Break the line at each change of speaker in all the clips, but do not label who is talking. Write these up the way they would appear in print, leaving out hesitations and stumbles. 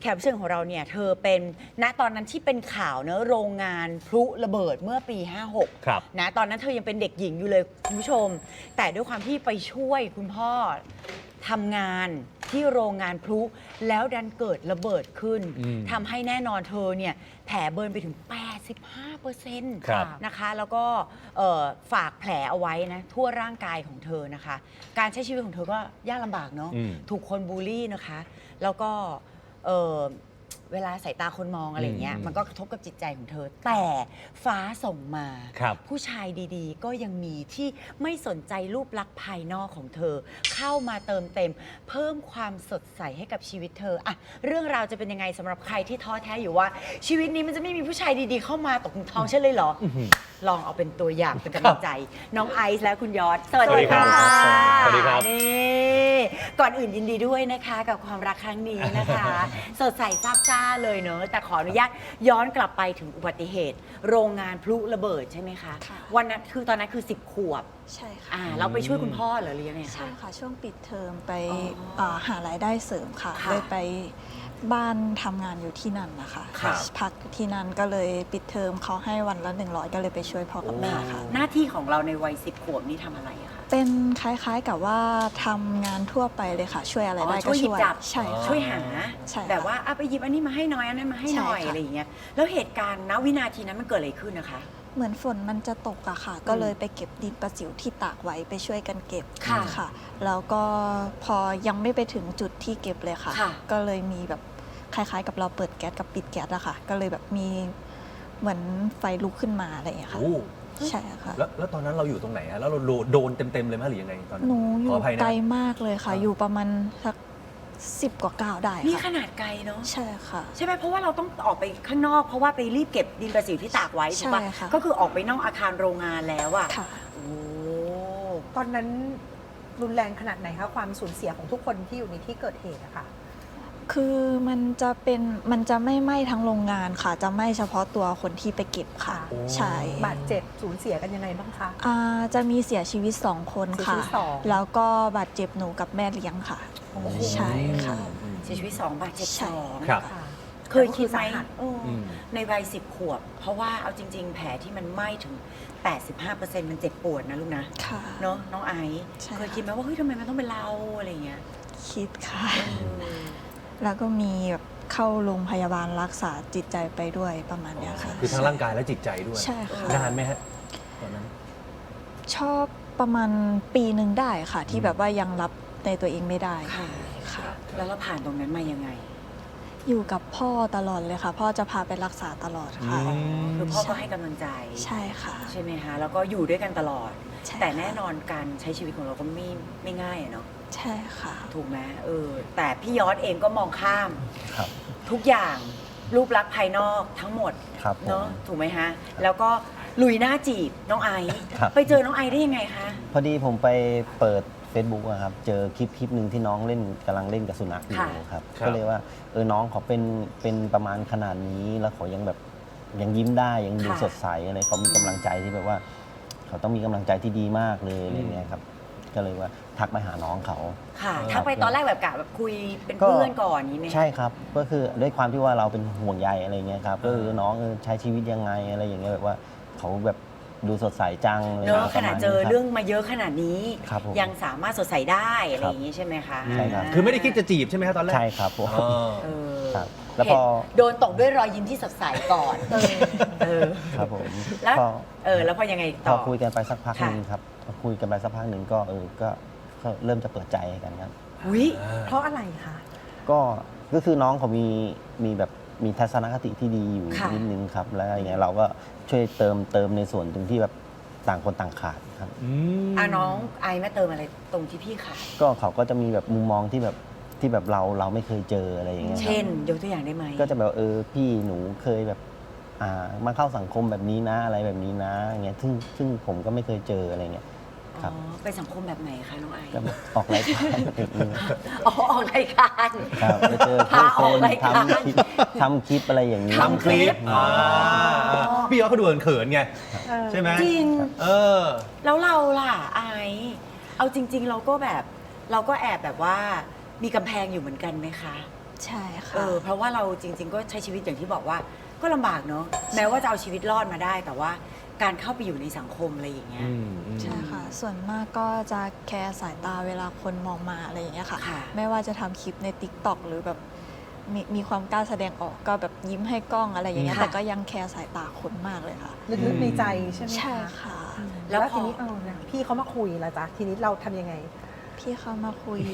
แขกรับเชิญของเราเนี่ยเธอเป็นณตอนนั้นที่เป็นข่าวเนอะโรงงานพลุระเบิดเมื่อปี 56
ครับ
นะตอนนั้นเธอยังเป็นเด็กหญิงอยู่เลยคุณผู้ชม แต่ด้วยความที่ไปช่วยคุณพ่อทำงานที่โรงงานพลุแล้วดันเกิดระเบิดขึ้นทำให้แน่นอนเธอเนี่ยแผลเบิร์นไปถึง 85%
ครับ
นะคะแล้วก็ฝากแผลเอาไว้นะทั่วร่างกายของเธอนะคะ การใช้ชีวิตของเธอก็ยากลำบากเนาะถูกคนบูลลี่นะคะ แล้วก็เวลาสายตาคนมองอะไรเงี้ยมันก็กระทบกับจิตใจของเธอ แต่ฟ้าส่งมา ผู้ชายดีๆ ก็ยังมีที่ไม่สนใจรูปลักษณ์ภายนอกของเธอ เข้ามาเติมเต็ม เพิ่มความสดใสให้กับชีวิตเธออะเรื่องราวจะเป็นยังไงสำหรับใครที่ท้อแท้อยู่ว่า ชีวิตนี้มันจะไม่มีผู้ชายดีๆ เข้ามาตกท้องใช่เลยเหรอ ลองเอาเป็นตัวอย่างเป็นกำลังใจ น้องไอซ์และคุณยอดสวัสดีค่ะ
สวัสดีครับ
นี่ก่อนอื่นยินดีด้วยนะคะกับความรักครั้งนี้นะคะ สดใสซาบซ่าเลยเนอะแต่ขออนุญาตย้อนกลับไปถึงอุบัติเหตุ โรงงานพลุระเบิดใช่ไหมคะ
ค่ะ
วันนั้นคือตอนนั้นคือ 10 ขวบ
ใช่ค่ะ
เราไปช่วยคุณพ่อเหรอหรือยังไง
ใช่
คะ
ค่ะช่วงปิดเทอมไป
อ๋อ
หารายได้เสริมค่ะ
ค่ะ
เลยไปบ้านทำงานอยู่ที่นั่นนะคะ
ครับ
พักอยู่ที่นั่นก็เลยปิดเทอมเขาให้วันละ100ก็เลยไปช่วยพ่อกับแม่ค่ะ
หน้าที่ของเราในวัย 10 ขวบนี่ทำอะไรอะคะ
เป็นคล้ายๆกับว่าทำงานทั่วไปเลยค่ะ ช่วยอะไรได้
ช่
ก็
วยหยิ
ช่
บ
วย
จับ
ใช่ค่ะ
ช่วยหา
ใช่ค่ะ
แบบว่าไปหยิบอันนี้มาให้หน่อยอันนั้นมาให้หน่อย
ใช่ค่ะ
อะไรอย่างเงี้ยแล้วเหตุการณ์ณวินาทีนั้นมันเกิดอะไรขึ้นนะคะ
เหมือนฝนมันจะตกอะค่ะ ก็เลยไปเก็บดินประสิวที่ตากไว้ไปช่วยกันเก็บ
ค่ะ
แล้วก็พอยังไม่ไปถึงจุดที่เก็บเลยค่ะ
ค่ะ
ก็เลยมีแบบคล้ายๆ กับเราเปิดแก๊สกับปิดแก๊สอะค่ะ ก็เลยแบบมีเหมือนไฟลุกขึ้นมาอะไรอย่างเงี้ยค่ะ
โอ้
ใช่ค่ะ
แล้วตอนนั้นเราอยู่ตรงไหนอะแล้วเราโดนเต็มๆเลยไหมหรือยังไงตอนนั้น
หนูอ
ข
ยู่
ออภัยนะ
ไกลมากเลยค่ะ อยู่ประมาณสัก10 กว่าก้าวได้
นี่ข
ค่ะ
นาดไกลเนาะ
ใช่ค่ะ
ใช่ไหมเพราะว่าเราต้องออกไปข้างนอกเพราะว่าไปรีบเก็บดินประสิวที่ตากไว้ถูกปะ
ใช่ค่ะ
ก็คือออกไปนอกอาคารโรงงานแล้วอะ
ค่ะ
โอ้
ตอนนั้นรุนแรงขนาดไหนคะความสูญเสียของทุกคนที่อยู่ในที่เกิดเหตุอะค่ะ
คือมันจะไม่ไหม้ทั้งโรงงานค่ะ จะไหม้เฉพาะตัวคนที่ไปเก็บค่ะ
โอ้
ใช่
บาดเจ็บสูญเสียกันยังไงบ้างคะ
จะมีเสียชีวิต2 คน
เสียชี
ค่ะ
วิต2
แล้วก็บาดเจ็บหนูกับแม่เลี้ยงค่ะ
โอ้โห
ใช่ค่ะ
เสียชีวิต2 บาดเจ็บ
ใช่
2
ครับ
ค่ะ
เคยคิดไหม
แต่ก็อสาหัส
ในวัย 10 ขวบ เพราะว่าเอาจริง ๆ แผลที่มันไหม้ถึง 85%มันเจ็บปวดนะลูกนะ
ค่ะ
เนาะน้องไอซ์
ใช่
เคยคิดไหมว่าเฮ้ยทำไมมันต้องเป็นเราอะไรเงี้ย
คิดค่ะ
เออ
แล้วก็มีแบบเข้าโรงพยาบาลรักษาจิตใจไปด้วยประมาณเนี้ยค่ะ
คือทั้งร่างกายและจิตใจด้วย
ใช่ค่ะ
นานไหมฮะตอนนั้น
ชอบประมาณปีหนึ่งได้ค่ะ ที่แบบว่ายังรับในตัวเองไม่ได้
ค่ะ
ค่ะ
แล้วเราผ่านตรงนั้นมายังไง
อยู่กับพ่อตลอดเลยค่ะ พ่อจะพาไปรักษาตลอดค่ะ
คือพ่อก็ให้กำลังใจ
ใช่ค่ะ
ใช่ไหมคะ แล้วก็อยู่ด้วยกันตลอด
ใช่
แต่
ค่ะ
แน่นอนการใช้ชีวิตของเราก็ไม่ง่ายอะเนาะ
ใช่ค่ะ
ถูกไหมแต่พี่ยอดเองก็มองข้าม
ครับ
ทุกอย่างรูปลักษณ์ภายนอกทั้งหมด
ครับผม
เนาะถูกไหมฮะ แล้วก็ลุยหน้าจีบน้องไอซ์
ครับ
ไปเจอน้องไอซ์ได้ยังไงคะ
พอดีผมไปเปิด Facebook อะครับ เจอคลิปหนึ่งที่น้องเล่นกำลังเล่นกับสุนัขอยู่
ค่ะ
ครับ
ครับ
ก็เลยว่าน้องเขาเป็นประมาณขนาดนี้แล้วเขายังแบบยังยิ้มได้ยังดูสดใสอะไรเขามีกำลังใจที่แบบว่า เขาต้องมีกำลังใจที่ดีมากเลยอะไรเงี้ยครับ ก็เลยว่าทักไปหาน้องเขา
ค่ะ
ครับ
ถ้าไปตอนแรกแบบกะแบบคุยเป็นเพื่อนก่อนนี้ไหม
ใช่ครับ ก็คือด้วยความที่ว่าเราเป็นห่วงใยอะไรเงี้ยครับก็คือน้องใช้ชีวิตยังไงอะไรอย่างเงี้ยแบบว่าเขาแบบดูสดใสจังอะไร
เนอะ
งี้ย
ขนาดเจอเรื่องมาเยอะขนาดนี้
ครับผม
ยังสามารถสดใสได้อะไรอย่างนี้ใช่ไหมคะ
ใช่ครับ
คือไม่ได้คิดจะจีบใช่ไหมครับตอนแรก
ใช่ครับผม
อ๋อ
เออ
ครับแล้วพอ
โดนตกด้วยรอยยิ้มที่สดใสก่อนเออ
ครับผม
แล้ว
พอ
แล้วพอยังไง
พ
ต่
อ
อ
คุยกันไปสักพักหนึ่ง
ค่ะ
ครับพอคุยกันไปสักพักหนึ่งก็ก็เริ่มจะเปิดใจกันครับ
หุย
เพราะอะไรคะ
ก็คือน้องเขามีแบบมีทัศนคติที่ดีอยู่
ค่ะ
นิดนึงครับแล้วอย่างเงี้ยเราก็ช่วยเติมในส่วนตรงที่แบบต่างคนต่างขาดครับ
น้องไอซ์มาเติมอะไรตรงที่พี่ขาด
ก็เขาก็จะมีแบบมุมมองที่แบบเราไม่เคยเจออะไรอย่างเงี้ยครับ
เช่นยกตัวอย่างได้ไหม
ก็จะแบบพี่หนูเคยแบบมาเข้าสังคมแบบนี้นะอะไรแบบนี้นะอย่างเงี้ยซึ่งผมก็ไม่เคยเจออะไรเงี้ย ครับ
เป็นสังคมแบบไหนคะน้องไอซ์
ก็แบบออกรายการแบบนี้
ออกรายการ
ครับไปเจอ
พา
ผู้
อ
ค
อก
น
รายการ
ทำคลิปอะไรอย่างนี้
ทำ
คลิปพี่ยอดเขาดูเขินๆไง ใช่ไหม
จริง
เออ
แล้วเราล่ะไอซ์เอาจริง ๆ เราก็แอบแบบว่ามีกำแพงอยู่เหมือนกันไหมคะ
ใช่ค่ะ
เพราะว่าเราจริง ๆ ก็ใช้ชีวิตอย่างที่บอกว่าก็ลำบากเนาะแม้ว่าจะเอาชีวิตรอดมาได้ แต่ว่าการเข้าไปอยู่ในสังคมอะไรอย่างเงี้ย
ใช่ค่ะ ส่วนมากก็จะแคร์สายตาเวลาคนมองมาอะไรอย่างเงี้ยค่ะ
ค่ะ
ไม่ว่าจะทำคลิปใน TikTok หรือแบบมีความกล้าแสดงออกก็แบบยิ้มให้กล้องอะไรอย่างเงี้ย
ค่ะ
แต่ก็ยังแคร์สายตาคนมากเลยค่ะ
ลึกๆในใจใช่ไหมคะ
ใช่ค่ะ
แล้
แล้ว ว
พอ
ทีนี้พี่เขามาคุยแล้วจ้ะทีนี้เราทำยังไง
พี่เขามาคุย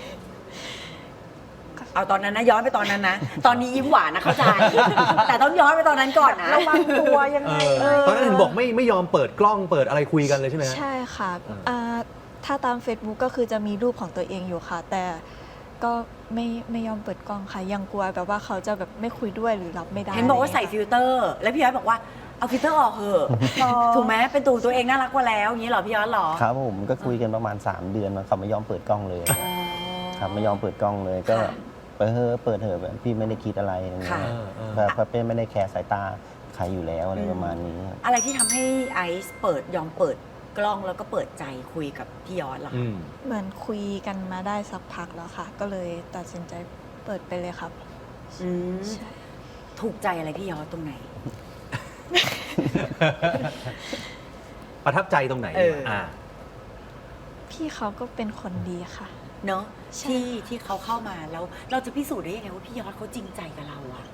เอาตอนนั้นนะย้อนไปตอนนั้นนะ ตอนนี้ยิ้มหวานนะเข้าใจ แต่ต้องย้อนไปตอนนั้นก่อนนะ
ระวังตัวยังไง
ตอนนั้นเห็นบอกไม่ยอมเปิดกล้องเปิดอะไรคุยกันเลยใช่ไหมฮะ
ใช่ค่ะถ้าตาม Facebook ก็คือจะมีรูปของตัวเองอยู่ค่ะ แต่ก็ไม่ยอมเปิดกล้องค่ะ ยังกลัวแบบว่าเขาจะแบบไม่คุยด้วยหรือรับไม่ได้
เห็นบอกว่าใส่ฟิลเตอร์ แล้วพี่ย้อยบอกว่าเอาฟิลเตอร์ออกเถอะถูกไหมเป็นตัวเองน่ารักกว่าแล้วอย่างนี้เหรอพี่ย้อยเหรอ
ครับผมก็คุยกันประมาณ 3 เดือนมาเขาไม่ยอมเปิดกล้องเลยครับไม่ยอมเปิดกล้องเลยก็
ค่ะ
เปิดเถอะแบบพี่ไม่ได้คิดอะไรอย่างเงี้
ค่ะ
ยแบบเป็นไม่ได้แคร์สายตาใครอยู่แล้วอะไรประมาณนี้ครับ
อะไรที่ทำให้ไอซ์ยอมเปิดกล้องแล้วก็เปิดใจคุยกับพี่ย้อนล่ะคะ
เหมือนคุยกันมาได้สักพักแล้วค่ะ ก็เลยตัดสินใจเปิดไปเลยครับ
อืม
ใช่
ถูกใจอะไรพี่ย้อนตรงไหน
ประทับใจตรงไหน
เออ
พี่เขาก็เป็นคนดีค่ะ
เนาะ
ใช่
ที่เขาเข้ามาแล้ว เราจะพิสูจน์ได้ยังไงว่าพี่ยอดเขาจริงใจกับเราอะ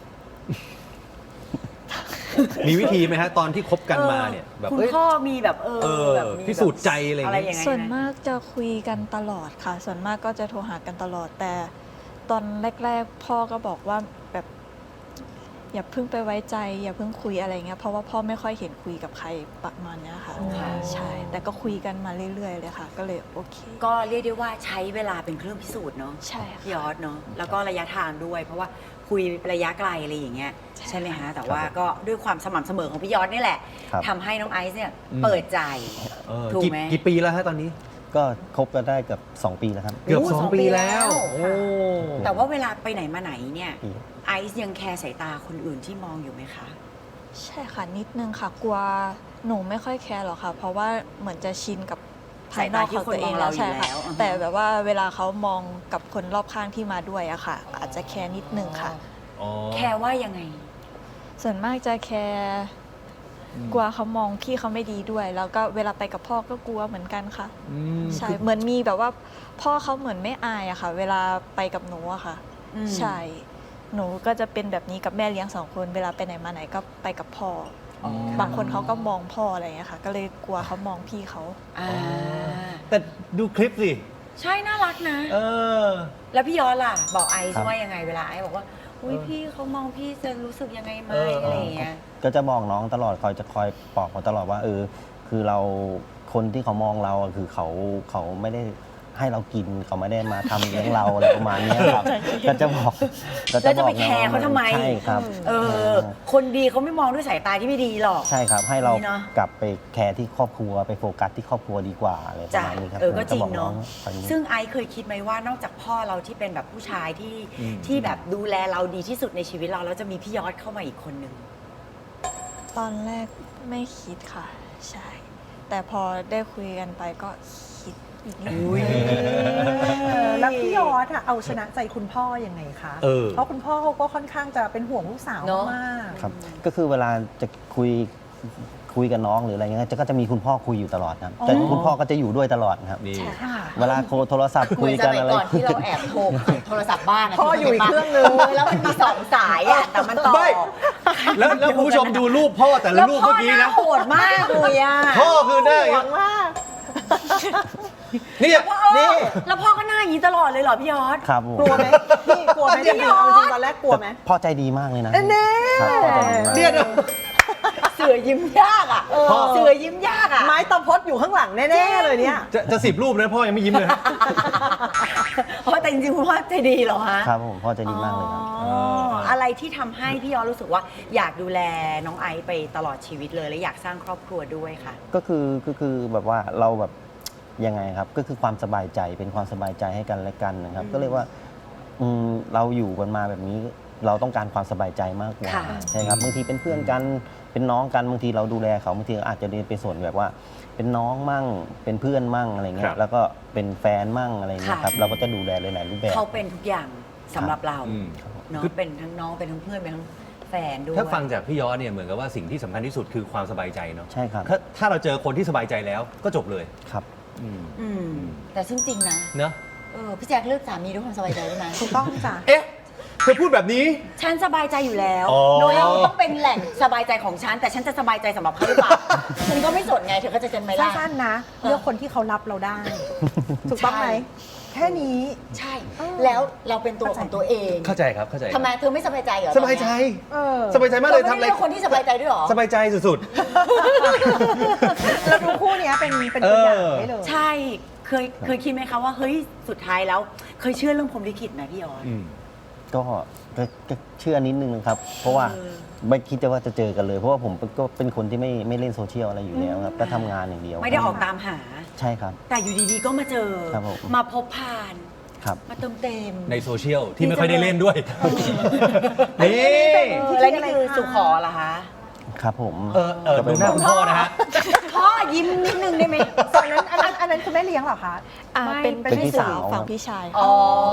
มีวิธีไหมฮะตอนที่คบกันมาเนี่ยแบบ
คุณ
เอ้ย
พ่อมีแบบ แบบมี
พิสูจน์ใจอะไรอย่างเงี้ย
อย่างเงี้ย
ส่วนมากจะคุยกันตลอดค่ะ ส่วนมากก็จะโทรหากันตลอด แต่ตอนแรก ๆ พ่อก็บอกว่าแบบอย่าเพิ่งไปไว้ใจ อย่าเพิ่งคุยอะไรเงี้ย เพราะว่าพ่อไม่ค่อยเห็นคุยกับใครประมาณเนี้ยค่ะ ใช่ แต่ก็คุยกันมาเรื่อยๆเลยค่ะ ก็เลยโอเค
ก็เรียกได้ว่าใช้เวลาเป็นเครื่องพิสูจน์เนาะ
ใช่
พี่ย
ค่ะ
อดเนาะแล้วก็ระยะทางด้วย เพราะว่าคุยระยะไกลอะไรอย่างเงี้ย
ใช่
ใช่ไหมฮะแต่ว่าก็ด้วยความสม่ำเสมอของพี่ยอดนี่แหละ
ครับ
ทำให้น้องไอซ์เนี่ยเปิดใจ ถูกไหม
กี่ปีแล้วฮะตอนนี้
ก็คบกันได้เกือบ2 ปีแล้วครับ
เกือบ
โอ้
2
2
ปี
ปีแล้
แล้ว
ว
โอ้
แต่ว่าเวลาไปไหนมาไหนเนี่ย
ปี
ไอซ์ยังแคร์สายตาคนอื่นที่มองอยู่ไหมคะ
ใช่ค่ะนิดนึงค่ะ กลัวหนูไม่ค่อยแคร์หรอกค่ะ เพราะว่าเหมือนจะชินกับภายนอกของตัวเองแล้ว
สายตาที่คนมองเราอยู่
ใช่ค่ะ
แล้วอ่าฮะ
แต่แบบว่าเวลาเขามองกับคนรอบข้างที่มาด้วยอะค่ะ อาจจะแคร์นิดนึงค่ะ
แคร์ว่ายังไง
ส่วนมากจะแคร์กลัวเขามองพี่เขาไม่ดีด้วย แล้วก็เวลาไปกับพ่อก็กลัวเหมือนกันค่ะ ใช่ เหมือนมีแบบว่าพ่อเขาเหมือนไม่อายอะค่ะ เวลาไปกับหนูอะค่ะ
อืม
ใช่ หนูก็จะเป็นแบบนี้กับแม่เลี้ยง2 คน เวลาไปไหนมาไหนก็ไปกับพ่ออ
อ
บางคนเขาก็มองพ่ออะไรอย่างเงี้ยค่ะ ก็เลยกลัวเขามองพี่เขา
อ่า
แต่ดูคลิปสิ
ใช่น่ารักนะ
เออ
แล้วพี่ยอดล่ะ บอกไอซ์
ครับ
ว่ายังไงเวลาไอซ์บอกว่าอุ้ยพี่เขามองพี่จะรู้สึกยังไงไหม
เอออ
อะไรอย่างเงี้ย
ก็จะบอกน้องตลอดคอยปลอบเขาตลอดว่าคือเราคนที่เขามองเราอะคือเขาไม่ได้ให้เรากินเขาไม่ได้มาทำเลี้ยงเราอะไรประมาณเนี้ยครับ ก็จะบอก
แล้วจะไปแคร์เขาทำไม
ใช่ครับ
คนดีเขาไม่มองด้วยสายตาที่ไม่ดีหรอก
ใช่ครับให้เรา
นี่เนอะ
กลับไปแคร์ที่ครอบครัวไปโฟกัสที่ครอบครัวดีกว่าอะไรประ
จ้ะ
มาณนี้ครับ
ก็จริง
ผมบอ
เนาะ
ตอนนี้
ซึ่งไอซ์เคยคิดไหมว่านอกจากพ่อเราที่เป็นแบบผู้ชายที่แบบดูแลเราดีที่สุดในชีวิตเราแล้วจะมีพี่ยอดเข้ามาอีกคนนึง
ตอนแรกไม่คิดค่ะ ใช่ แต่พอได้คุยกันไปก็คิดอีกนิดนึง
แล้วพี่ยอดอะเอาชนะใจคุณพ่อยังไงคะ เพราะคุณพ่อเขาก็ค่อนข้างจะเป็นห่วงลูกสาว
เนอะ
มาก
ครับก็คือเวลาจะคุยกับน้องหรืออะไรเงี้ยก็จะมีคุณพ่อคุยอยู่ตลอดนะครับแต่คุณพ่อก็จะอยู่ด้วยตลอดนะครับ
นี่
ค่ะ
เวลาโทรศัพท์คุยกันอะไร
ก่อนที่เราแอบโทรศัพท์บ้าน
พ่ออยู่อีกเครื่องนึง
แล้วมันมี2 สายอ่ะแต่มันต่อ
ไม่ แล้วคุณผู้ชมดูรูปพ่อแต่ละรูปเมื่อกี้
แล้ว
นะ
พ่อหน้าโหดมากเลยอ่ะ
พ่อคือหน้าอย่าง
ห
เงี้
วั
ย
งมาก
นี่
นี่
นี่
แล้วพ่อก็หน้าอย่างนี้ตลอดเลยเหรอพี่ยอด
ครับผม
กลัวไหมพี่กลัวไหมจริงๆเอาจริงตอนแรกกลัวไหม
พ่อใจดีมากเลยนะ
แน่
ครับพ่อใจดีมาก
เนี่ยนะ
เสือยิ้มยากอ่ะ
พ่อ
เสือยิ้มยากอ่ะ
ไม้ตะพดอยู่ข้างหลังแน่ๆเลยเนี่ย
จะ10 รูปนะพ่อยังไม่ยิ้มเลยฮะ
เพราะแต่จริงๆคุณพ่อใจดีเหรอฮะ
ครับผมพ่อใจดีมากเลยครับ
อ๋ออะไรที่ทำให้พี่ยอดรู้สึกว่าอยากดูแลน้องไอซ์ไปตลอดชีวิตเลยและอยากสร้างครอบครัวด้วยค่ะ
ก็คือแบบว่าเราแบบยังไงครับก็คือความสบายใจเป็นความสบายใจให้กันและกันนะครับ ก็เรียกว่าเราอยู่กันมาแบบนี้เราต้องการความสบายใจมากกว่า
ค่ะ
ใช่ครับบางทีเป็นเพื่อนกันเป็นน้องกันบางทีเราดูแลเขาบางทีอาจจะเป็นส่วนแบบว่า เป็นน้องมั่งเป็นเพื่อนมั่งอะไรเงี้
ครั
ย
บ
แล้วก็เป็นแฟนมั่งอะไรเงี้ยครับเราก็จะดูแลหลายๆรูปแบบ
เขาเป็นทุกอย่างสำหรับเรา
อืม
เนาะเป็นทั้งน้องเป็นทั้งเพื่อนเป็นทั้งแฟนด้วย
ถ้าฟังจากพี่ยอดเนี่ยเหมือนกับว่าสิ่งที่สำคัญที่สุดคือความสบายใจเนาะ
ใช่ครับ
ถ้าเราเจอคนที่สบายใจแล้วก็จบเลย
ครับ
อืม
อืมแต่ซึ่งจริงนะ
เนอะ
พี่แจ็คเลือกสามีด้วยความสบายใจด้วยนะ
ถูกต้องจ้ะ
เอ๊ะเธอพูดแบบนี้
ฉันสบายใจอยู่แล้ว
อ๋อ
โดยเราต้องเป็นแหล่งสบายใจของฉัน แต่ฉันจะสบายใจสำหรับเขาหรือเปล่า ฉันก็ไม่สนไงเธอก็จะเจนไหมล่ะ
สั้นๆนะเลือกคนที่เขารับเราได้ ถูกต้องไหม
ใช่
แค่นี้
ใช่ แล้วเราเป็นตัวของตัวเอง
เข้าใจครับเข้าใจ
ทำไมเธอไม่สบายใจเหรอ
สบายใจ
เออ
สบายใจมากเลย
ทำ
ทำ
อะไร
อะไร
คนที่สบายใจด้วยเหรอ
สบายใจสุด
เราดูคู่เนี้ยเป็นตัวอย่างได้เลย
ใช่เคยคิดไหมคะว่าเฮ้ยสุดท้ายแล้วเคยเชื่อเรื่องพรหมลิขิตไหมพี่ออน
ๆอืม
ก็เชื่อนิดนึงนะครับ เพราะว่าไม่คิดว่าจะเจอกันเลย เพราะว่าผมก็เป็นคนที่ไม่เล่นโซเชียลอะไรอยู่แล้วครับ ก็ทำงานอย่างเดียว
ไม่ได้ออกตามหา
ใช่ครับ
แต่อยู่ดีๆก็มาเจอ
ครับผม
มาพบผ่าน
ครับ
มาเติมเต็ม
ในโซเชียลที่ไม่ค่อยได้เล่นด้วย นี่
แล้วนี่คือสุขอเหรอคะ
ครับผม
ดูหน้าคุณพ่อนะฮะ
พ่อยิ้มนิดนึงได้ไหม
ตอนนั้นอันนั้นคุณแม่เลี้ยงเหรอคะ
อ่า
ไม่
เป็น
พี่สาว
ฝั่งพี่ชาย
อ๋อ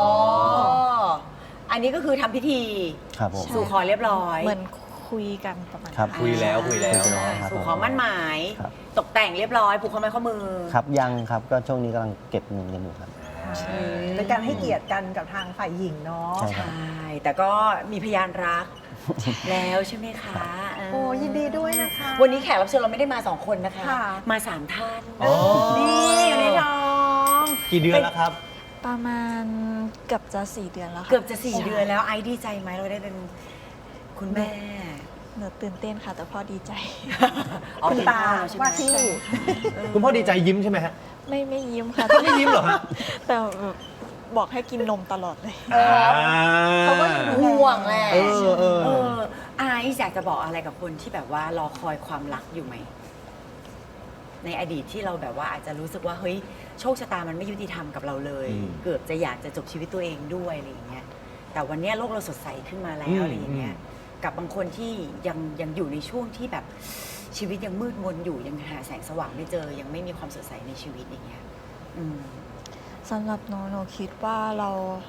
อันนี้ก็คือทำพิธี
ครับผม
สู่ขอเรียบร้อย
เหมือนคุยกันประมาณ
ครับ
คุยแล้วคุยแล้ว
คุยแล้วครับ
สู่ขอมั่นหมาย
ครับ
ตกแต่งเรียบร้อยผูกข้อไม้ข้อมือ
ครับยังครับ ก็ช่วงนี้กำลังเก็บเงินกันอยู่ครับ
เป็นการให้เกียรติกันกับทางฝ่ายหญิงเนาะ
ใช่
ใช่ แต่ก็มีพยานรัก แล้วใช่ไหมคะ
โอ้ยินดีด้วยนะคะ
วันนี้แขกรับเชิญเราไม่ได้มา 2 คนนะคะ
ค่ะ
มา 3 ท่าน
อ๋อ
นี่อยู่ในท้อง
กี่เดือนแล้วครับ
ประมาณเกือบจะ4 เดือนแล้วค่ะ
เกือบจะ 4
ใช่
เดือนแล้วไอซ์ดีใจไหมเราได้เป็นคุณแม่
หนูตื่นเต้นค่ะ แต่พ่อดีใจ
อ๋อ
คุณตา
เป็นพ่อใช่ไหม
ว่าที่
คุณพ่อดีใจยิ้มใช่ไหมฮะ
ไม่ยิ้มค่ะ
ไม่ยิ้มเหรอฮะ
แต่แบบบอกให้กินนมตลอดเลย
เขาก็ห่วงแหละ
เออ
ไอซ์อยากจะบอกอะไรกับคนที่แบบว่ารอคอยความรักอยู่ไหม ในอดีตที่เราแบบว่าอาจจะรู้สึกว่าเฮ้ยโชคชะตามันไม่ยุติธรรมกับเราเลย
อืม
เกือบจะอยากจะจบชีวิตตัวเองด้วยอะไรอย่างเงี้ย แต่วันเนี้ยโลกเราสดใสขึ้นมาแล้
อื
ว
ม
อะไรอย่างเงี้ย กับบางคนที่ยังอยู่ในช่วงที่แบบชีวิตยังมืดมนอยู่ยังหาแสงสว่างไม่เจอ ยังไม่มีความสดใสในชีวิตอย่างเงี้ย อืม
สำหรับหนูคิดว่าเรา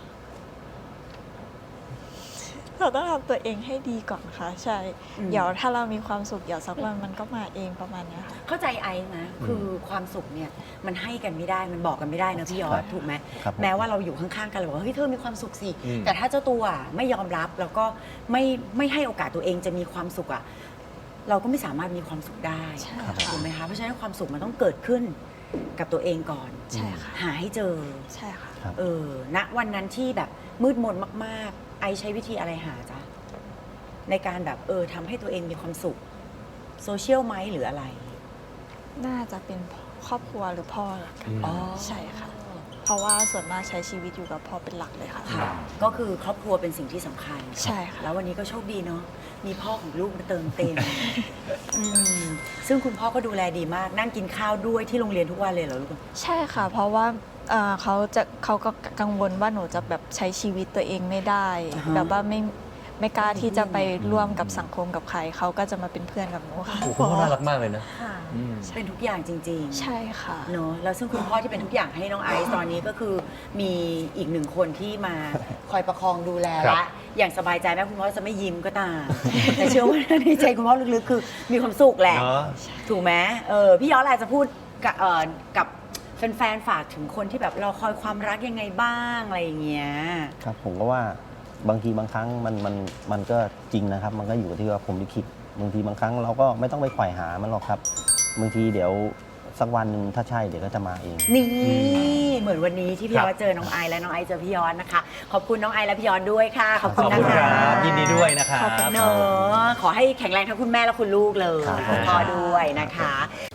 ต้องทำตัวเองให้ดีก่อนค่ะ ใช่
อืม
เดี๋ยวถ้าเรามีความสุขเดี๋ยวสักวันมันก็มาเองประมาณเนี้ยค่ะ
เข้าใจไอซ์นะคือความสุขเนี่ยมันให้กันไม่ได้มันบอกกันไม่ได้นะพี่ยอ
ครั
ด
บ
ถูกไหม
ครับผม
แม้ว่าเราอยู่ข้างๆกันเราบอกว่าเฮ้ยเธอมีความสุขสิ
อืม
แต่ถ้าเจ้าตัวไม่ยอมรับแล้วก็ไม่ให้โอกาสตัวเองจะมีความสุขอ่ะเราก็ไม่สามารถมีความสุขได้
ใช่ค่ะ
ถูกไหมคะเพราะฉะนั้นความสุขมันต้องเกิดขึ้นกับตัวเองก่อน
ใช่ค่ะ
หาให้เจอ
ใช่ค่ะ
ครับ
ณวันนั้นที่แบบมืดมนมากๆ ไอใช้วิธีอะไรหาจ๊ะในการแบบทำให้ตัวเองมีความสุขโซเชียลไหมหรืออะไร
น่าจะเป็นครอบครัวหรือพ่อหลักกัน
อ๋อ
ใช่ค่ะ เพราะว่าส่วนมากใช้ชีวิตอยู่กับพ่อเป็นหลักเลยค่ะ
ค่ะก็คือครอบครัวเป็นสิ่งที่สำคัญ
ใช่ค่ะ
แล้ววันนี้ก็โชคดีเนาะมีพ่อของลูกมาเติมเต็ม ซึ่งคุณพ่อก็ดูแลดีมากนั่งกินข้าวด้วยที่โรงเรียนทุกวันเลยเหรอลูก
ใช่ค่ะ เพราะว่าเขาก็กังวลว่าหนูจะแบบใช้ชีวิตตัวเองไม่ได้
อ่าฮะ
แบบว่าไม่กล้าที่จะไปร่วมกับสังคมกับใครเขาก็จะมาเป็นเพื่อนกับหนูค่ะ
โอ้โหคุณพ่อน่ารักมากเลยนะ
ค่ะ
อืม
เป็นทุกอย่างจริง
ใช่ค่ะ
ๆเนาะแล้วซึ่งคุณพ่อที่เป็นทุกอย่างให้น้องไอซ์ตอนนี้ก็คือมีอีกหนึ่งคนที่มาคอยประคองดูแล
ครั
ละ
บ
อย่างสบายใจแม้คุณพ่อจะไม่ยิ้มก็ตาม แต่เชื่อว่าในใจคุณพ่อลึกๆคือมีความสุขแหละ
เนาะ
ถูกไหมพี่ย้อนอะไรจะพูดกับแฟนๆฝากถึงคนที่แบบรอคอยความรักยังไงบ้างอะไรอย่างเงี้ย
ครับผมก็ว่าบางทีบางครั้งมันก็จริงนะครับ มันก็อยู่ที่ว่าผมลิขิตบางทีบางครั้งเราก็ไม่ต้องไปไขว่หามันหรอกครับ บางทีเดี๋ยวสักวันหนึ่งถ้าใช่เดี๋ยวก็จะมาเอง
นี่เหมือนวันนี้ที่พี่
ครับ
ย้อนเจอน้องไอซ์และน้องไอซ์เจอพี่ย้อนนะคะ ขอบคุณน้องไอซ์และพี่ย้อนด้วยค่ะ ขอบ
ข
คุณ
อบ
นะ
คุณค
คะ
รับยินดีด้วยนะครับ
ขอบคุณ
เนอะขอให้แข็งแรงทั้งคุณแม่และคุณลูกเลย
ครับ
คุณพ่อด้วยนะคะ